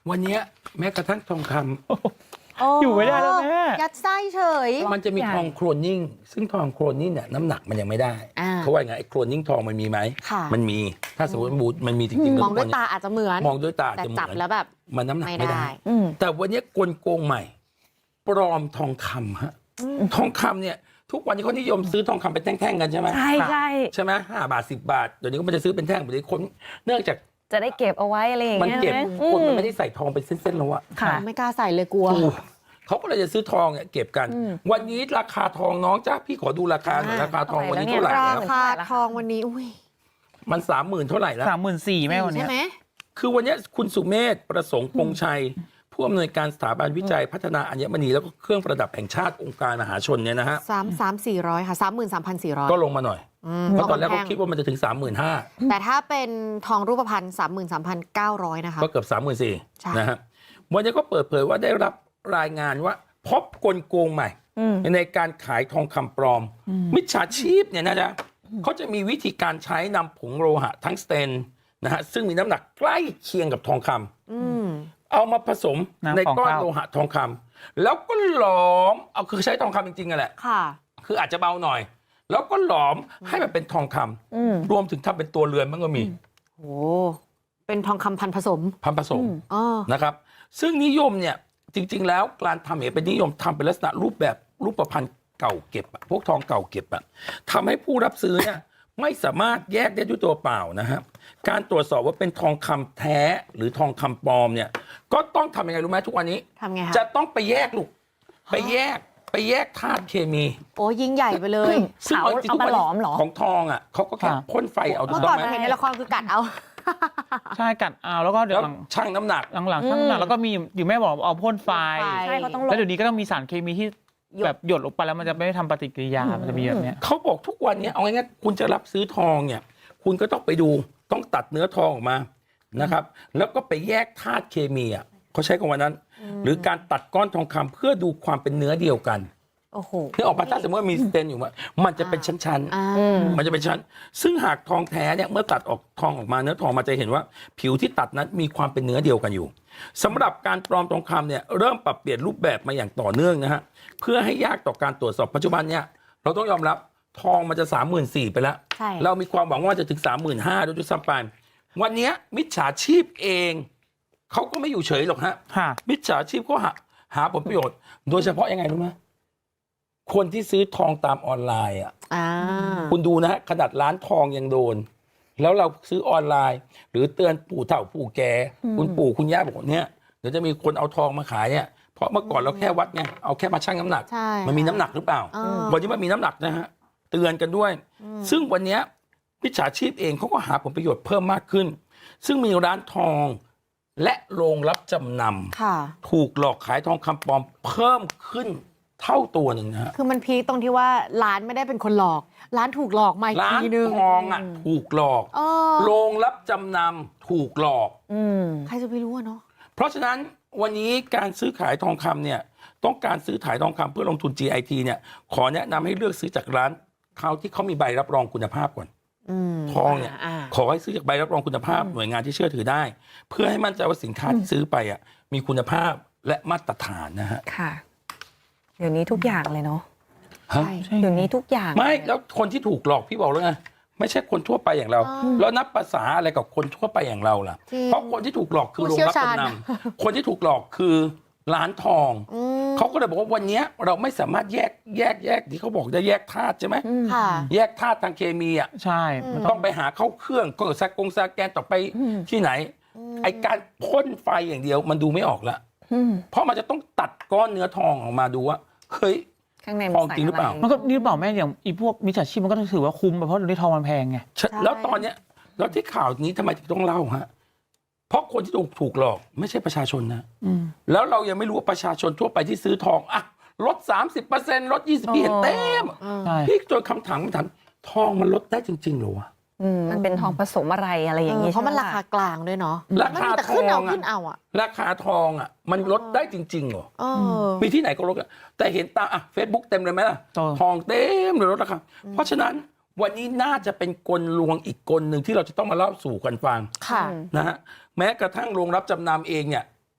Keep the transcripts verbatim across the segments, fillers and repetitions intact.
วันเนี้ยแม้กระทั่งทองคำอยู่ไม่ได้แล้วแม่ยัดไส้เฉยมันจะมีทองโครนนิ่งซึ่งทองโครนนิ่งเนี่ยน้ำหนักมันยังไม่ได้อ่าเขาว่าไงไอ้โครนนิ่งทองมันมีไหมค่ะมันมีถ้าสมมติบูดมันมีจริงๆมองด้วยทุกตาคนอาจจะเหมือนมองด้วยตาแต่จะเหมืจับอนแล้วแบบมันน้ำหนักไม่ไม่ได้ได้ แต่วันนี้กลโกงใหม่ ปลอมทองคำฮะทองคำเนี่ยทุกวันนี้เขานิยมซื้อทองคำเป็นแท่งๆกันใช่ไหมใช่ใช่ใช่ไหมห้าบาทสิบบาทเดี๋ยวนี้ก็มันจะซื้อเป็นแท่งเดี๋ยวนี้คนเนื่องจากจะได้เก็บเอาไว้อะไรอย่างมันเงี้ยเก็บใช่ไหคนมันอืไม่ได้ใส่ทองเป็นเส้นๆแล้วอะค่ะไม่กล้าใส่เลยกลัวถูกเขาก็เลยจะซื้อทองเนี่ยเก็บกัน วันนี้ราคาทองน้องจ้าพี่ขอดูราคาหน่อยอ่าราคาทองวันนี้เท่าเท่าไหไหร่ร่แล้วแล้วราคาทองวันนี้อุ้ยมันสามหมื่นเท่าไหร่แล้วสามหมื่นสี่แม่วันเนี้ใช่ยไหมคือวันนี้คุณสุเมธประสงค์พงษ์ชัย ผู้อำนวยการสถาบันวิจัยพัฒนาอัญมณีแล้วก็เครื่องประดับแห่งชาติองค์การมหาชนเนี่ยนะฮะสามสามสี่ร้อยค่ะสามหมื่นสามพันสี่ร้อยก็ลงมาหน่อยเพราะตอนแรกเขาคิดว่ามันจะถึง สามหมื่นห้าพันแต่ถ้าเป็นทองรูปพรรณสามหมื่นสามพันเก้าร้อยนะคะก็เกือบ สามหมื่นสี่ใช่พัน นะฮะวันนี้ก็เปิดเผยว่าได้รับรายงานว่าพบกลโกงใหม่อืมในการขายทองคำปลอม มิจฉาชีพเนี่ยนะจ๊ะเขาจะมีวิธีการใช้นำผงโลหะทั้งสเตนนะฮะซึ่งมีน้ำหนักใกล้เคียงกับทองคำอืมเอามาผสมน้ำในก้อนของข้าวโลหะทองคำแล้วก็หลอมเอาคือใช้ทองคำจริงๆกันแหละค่ะคืออาจจะเบาหน่อย แล้วก็หลอมให้มันเป็นทองคำอืมรวมถึงทำเป็นตัวเรือนมันก็มีโห เป็นทองคำพันผสมพันผสมอ๋อนะครับ ซึ่งนิยมเนี่ยจริง ๆ แล้วการทำเนี่ยเป็นนิยมทำเป็นลักษณะรูปแบบรูปพรรณเก่าเก็บอะพวกทองเก่าเก็บอะทำให้ผู้รับซื้อเนี่ยไม่สามารถแยกได้ด้วยตัวเปล่านะฮะการตรวจสอบว่าเป็นทองคำแท้หรือทองคำปลอมเนี่ยก็ต้องทำยังไงรู้ไหมทุกวันนี้ทำไงคะจะต้องไปแยกลูกไปแยกไปแยกธาตุเคมีโอ้ยิ่งใหญ่ไปเลยซึ่งเอาจริงๆเอามาทุกวันหลนี้อมเหรอของทองอ่ะเขาก็แค่ค่ะพ่นไฟเอาถูเมื่กอต้ก่ออง นไหมเห็นในละครคือกัดเอาใช่กัดเอาแล้วก็เดี๋ยแล้ว วหลังชั่งน้ำหนักหลังๆช่างน้ำหนักแล้วก็มีอยู่แม่บอกเอาพ่นไฟพ่นไฟใช่เขาต้องลแล้วงเดี๋ยวนี้ก็ต้องมีสารเคมีที่หยดแบบหยดลงไปแล้วมันจะไม่ได้ทำปฏิกิริยา มันจะมีแบบเนี้ยเขาบอกทุกวันเนี้ยเอาง่ายๆคุณจะรับซื้อทองเนี่ย คุณก็ต้องไปดูต้องตัดเนื้อทองออกมานะครับ แล้วก็ไปแยกธาตุเคมีอ่ะเขาใช้คำว่านั้น หรือการตัดก้อนทองคำเพื่อดูความเป็นเนื้อเดียวกันโอ้โหคือออกมาถ้าสมมติว่ามีสเตนอยู่ว่ามันจะเป็นชั้นๆอ่าอืมมันจะเป็นชั้น ซึ่งหากทองแท้เนี่ยเมื่อตัดออกทองออกมาเนื้อทองมันจะเห็นว่าผิวที่ตัดนั้นมีความเป็นเนื้อเดียวกันอยู่สำหรับการปลอมทองคำเนี่ยเริ่มปรับเปลี่ยนรูปแบบมาอย่างต่อเนื่องนะฮะเพื่อให้ยากต่อการตรวจสอบปัจจุบันเนี่ยเราต้องยอมรับทองมันจะสามหมื่นสี่ไปแล้วใช่เรามีความหวังว่าจะถึงสามหมื่นห้าด้วยซ้ำไปวันเนี้ยมิจฉาชีพเองเขาก็ไม่อยู่เฉยหรอกฮะค่ะมิจฉาชีพก็หาหาผลประโยชน์ โดยเฉพาะยังไงรู้ไหมคนที่ซื้อทองตามออนไลน์อ่ะอ่าคุณดูนะฮะขนาดร้านทองยังโดน แล้วเราซื้อออนไลน์ หรือเตือนปู่เฒ่าปู่แก่คุณปู่คุณย่าบอกว่าเนี่ยเดี๋ยวจะมีคนเอาทองมาขายเนี่ยเพราะเมื่อก่อนเราแค่วัดไงเอาแค่มาชั่งน้ำหนักใช่มันมีน้ำหนักหรือเปล่าอ่าวันนี้มันมีน้ำหนักนะฮะเตือนกันด้วย ซึ่งวันเนี้ยมิจฉาชีพเองเขาก็หาผลประโยชน์เพิ่มมากขึ้น ซึ่งมีร้านทองและโรงรับจำนค่ะำถูกหลอกขายทองคำปลอมเพิ่มขึ้นเท่าตัวหนึ่งนะฮะคือมันพีคตรงที่ว่าร้านไม่ได้เป็นคนหลอก ร้านถูกหลอกมาอีกร้านทีนึงทองอ่ะถูกหลอกเออโรงรับจำนำถูกหลอกอืมใครจะไปรู้อะเนาะเพราะฉะนั้นวันนี้การซื้อขายทองคำเนี่ยต้องการซื้อขายทองคำเพื่อลงทุน จี ไอ ที เนี่ยขอแนะนำให้เลือกซื้อจากร้านเขาที่เขามีใบรับรองคุณภาพก่อนอืมทองเนี่ยาขอให้ซื้อจากใบรับรองคุณภาพหน่วยงานที่เชื่อถือได้ เพื่อให้มั่นใจว่าสินค้าที่ซื้อไปอ่ะมีคุณภาพและมาตรฐานนะฮะค่ะ เดี๋ยวนี้ทุกอย่างเลยเนาะฮะใช่เดี๋ยวนี้ทุกอย่างไม่แล้วคนที่ถูกหลอกพี่บอกแล้วไงไม่ใช่คนทั่วไปอย่างเรา แล้วนับภาษาอะไรกับคนทั่วไปอย่างเราล่ะจริงเพราะคนที่ถูกหลอกคือผู้โรงเชี่ยวรับชาญจำนำคนที่ถูกหลอกคือร้านทองอืมเขาก็เลยบอกว่าวันเนี้ยเราไม่สามารถแยกแยกแยกที่เขาบอกได้แยกธาตุใช่ไหมค่ะแยกธาตุทางเคมีอ่ะใช่มันต้ต้ออง งไปหาเข้าเครื่องก็สกงสแกนต่อไปที่ไหน ไอการพ่นไฟอย่างเดียวมันดูไม่ออกละอืมเพราะมันจะต้องตัดก้อนเนื้อทองออกมาดูว่าเฮ้ยข้างในทองจริงหรือเปล่ามันก็นี่เปล่าแม่อย่างอีพวกมิจฉาชีพมันก็ถือว่าคุ้มไปเพราะเดี๋ยวนี้ทองมันแพงไงฉันแล้วตอนเนี้ยแล้วที่ข่าวนี้ทำไมถึงต้องเล่าฮะเพราะคนที่ถูกถูกหลอกไม่ใช่ประชาชนนะอืมแล้วเรายังไม่รู้ว่าประชาชนทั่วไปที่ซื้อทองอะลด สามสิบเปอร์เซ็นต์ ลด ยี่สิบเปอร์เซ็นต์ เต็มใช่พี่โดนคำถามคำถามทองมันลดได้จริงๆเหรอวะอืมมันเป็นทองผสมอะไรอะไรอย่างเองี้อเพราะมันใช่ราไหคากลางด้วยเนาะราคามันมีแต่ขึ้นเอาทองอะขึ้นเอาอ่ะราคาทองอ่ะมันลดได้จริงๆเหรอเออมีที่ไหนก็ลดอะแต่เห็นตามอ่ะเฟซบุ๊กเต็มเลยไหมล่ะเออทองเต็มเลยลดราคาเพราะฉะนั้นวันนี้น่าจะเป็นกลลวงอีกกลหนึ่งที่เราจะต้องมาเล่าสู่กันฟังค่ะนะฮะแม้กระทั่งโรงรับจำนำเองเนี่ย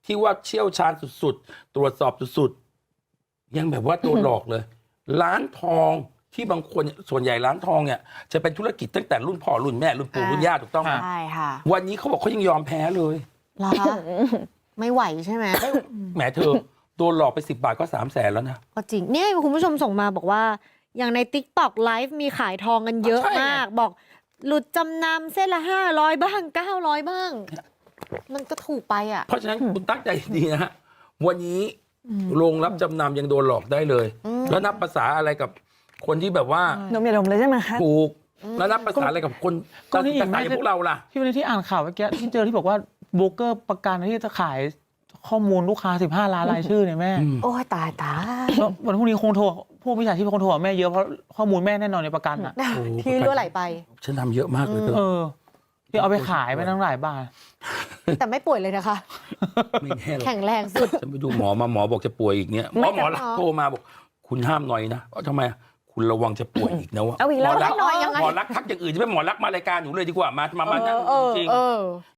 ที่ว่าเชี่ยวชาญสุดๆ ตรวจสอบสุดๆ ยังแบบว่าโดนหลอกเลย ร้านทองที่บางคนส่วนใหญ่ร้านทองเนี่ยจะเป็นธุรกิจตั้งแต่รุ่นพ่อรุ่นแม่รุ่นปู่รุ่นย่าถูกต้องไหมใช่ค่ะวันนี้เขาบอกเขายังยอมแพ้เลยเหรอคะไม่ไหวใช่ไหมแหมเธอโดนหลอกไปสิบบาทก็สามแสนแล้วนะก็จริงเนี่ยคุณผู้ชมส่งมาบอกว่า อย่างใน TikTok Live มีขายทองกันเยอะใช่ไงมาก บอกหลุดจำนำเส้นละห้าร้อยบ้างเก้าร้อยบ้าง มันก็ถูกไปอ่ะเพราะฉะนั้นคุณตั้งใจดีนะฮะวันนี้โรงรับจำนำยังโดนหลอกได้เลยอืมแล้วนับภาษาอะไรกับคนที่แบบว่านมอย่าดมเลยใช่ไหมคะถูกแล้วนับภาษาอะไรกับคนก็นี่ต่างๆอย่างพวกเราล่ะที่วันนี้ที่อ่านข่าวเมื่อกี้ที่เจอที่บอกว่าโบรกเกอร์ประกันที่จะขายข้อมูลลูกค้าสิบห้าล้านรายชื่อเนี่ยแม่อืมโอ้ยตายตายแล้ววันพรุ่งนี้คงโทรพวกมิจฉาชีพคงโทรหาแม่เยอะเพราะข้อมูลแม่แน่นอนในประกันอ่ะโอ้ที่รั่วไหลไปฉันทำเยอะมากเลยเธเอออที่เอาไปขายไปตั้งหลายบาทแต่ไม่ป่วยเลยนะคะไม่แน่หรอกแข็งแรงสุดฉันไปดูหมอมาหมอบอกจะป่วยอีกเนี่ยหมไม่อหมอรักหรอโทรมาบอก คุณห้ามหน่อยนะเพราะทำไมคุณระวังจะป่วยอีกนะวะเอาอีกแล้วหมอรักหน่อยยังไงหมอรักทักอย่างอื่นจะไม่หมอรักมารายการหนูเลยดีกว่ามามามานั่งเออจริงเออ